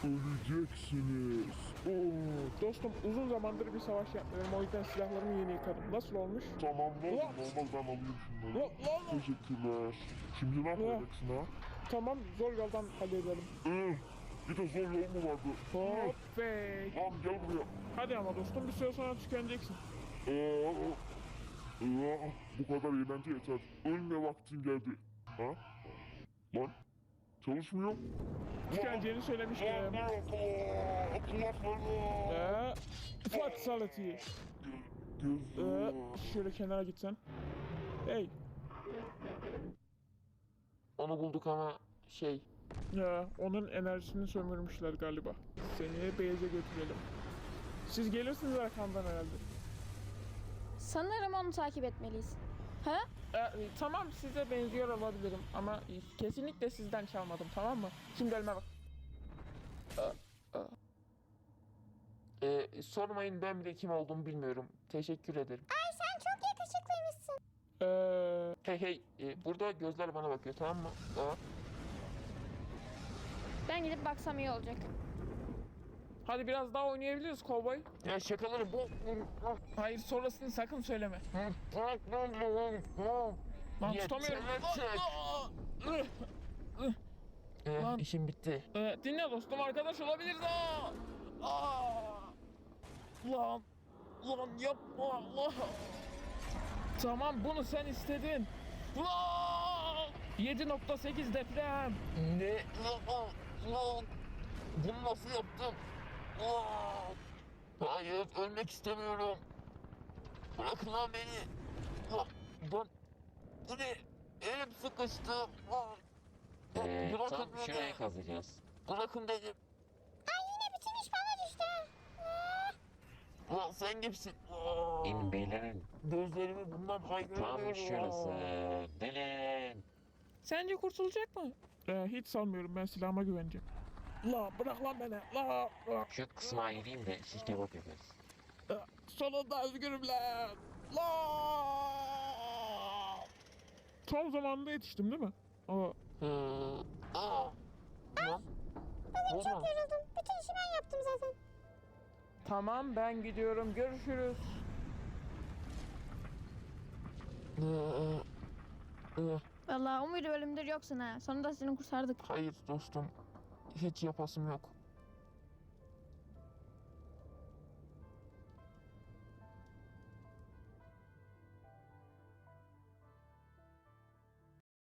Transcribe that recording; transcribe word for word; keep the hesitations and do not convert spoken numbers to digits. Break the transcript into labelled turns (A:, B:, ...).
A: Öleceksiniz.
B: Oo, dostum uzun zamandır bir savaş yapmıyorum. O yüzden silahlarımı yeni yıkadım. Nasıl olmuş?
A: Tamam ne oldu?
B: Ulan!
A: Normal ben alayım şunları.
B: Ulan, ulan!
A: Teşekkürler. Şimdi ne yapacaksın ha?
B: Tamam, zor yoldan halledelim.
A: Ee, bir de zor yol mu vardı?
B: Hop be.
A: Lan gel buraya.
B: Hadi ama dostum bir süre sonra tükeneceksin.
A: Ee, ee, bu kadar eğlence yeter. Ölme vaktin geldi. Ha? Lan çalışmıyor.
B: Tükeneceğini söylemiştim.
A: Lan ne yapıyor? Kulaklarım.
B: Ee, fatality. Ee,
A: Gözüm.
B: şöyle kenara gitsen. Hey.
C: Onu bulduk ama şey...
B: Ya onun enerjisini sömürmüşler galiba. Seni beyaza götürelim. Siz gelirsiniz arkamdan herhalde.
D: Sanırım onu takip etmeliyiz. Ha?
B: Ee, tamam size benziyor olabilirim ama kesinlikle sizden çalmadım, tamam mı? Şimdi elime bak.
C: Ee, sormayın, ben bile kim olduğumu bilmiyorum. Teşekkür ederim.
D: Ay sen çok yakışıklıymışsın.
B: Ee,
C: Hey hey, e, burada gözler bana bakıyor, tamam mı? Aa.
D: Ben gidip baksam iyi olacak.
B: hadi biraz daha oynayabiliriz kovboy.
C: Ya şakaları bu...
B: Hayır sonrasını sakın söyleme. Lan tutamıyorum.
C: Yeter. Ee,
B: Lan.
C: işim bitti.
B: Ee, dinle dostum, arkadaş olabiliriz. Aa! Aa! Lan, lan yapma Allah. Tamam bunu sen istedin. Lan! yedi nokta sekiz deprem.
C: Ne? Lan, lan. Bunu nasıl yaptım? Aa. Hayır, ölmek istemiyorum. Bırakın lan beni. Lan, lan. Bu ne? Elim sıkıştı. Lan.
E: Ee,
C: Bırakın
E: tam
C: beni.
E: şurayı kazacağız.
C: Bırakın dedim.
D: Ay yine bütün iş bana düştü.
C: Lan sen kimsin? Aa.
E: İn beylerin.
C: Gözlerimi bundan kaybediyorum.
E: Tam şurası. Delin.
B: Sence kurtulacak mı? Ee, hiç sanmıyorum, ben silahıma güveneceğim. La bırak lan beni. La bırak.
E: Şu kısma ayırayım da siz kebap yaparız.
B: Ee, Sonunda özgürüm lan. La. Tam zamanında yetiştim değil mi? Aa,
C: Ee, aa. Lan.
D: Bugün çok
C: Olmaz.
D: yoruldum. Bütün işi ben yaptım zaten.
B: tamam ben gidiyorum, görüşürüz.
C: Ee, e,
D: Vallahi umuydu ölümdür yoksun ha. Sonunda seni kurtardık.
C: hayır dostum. Hiç yapasım yok.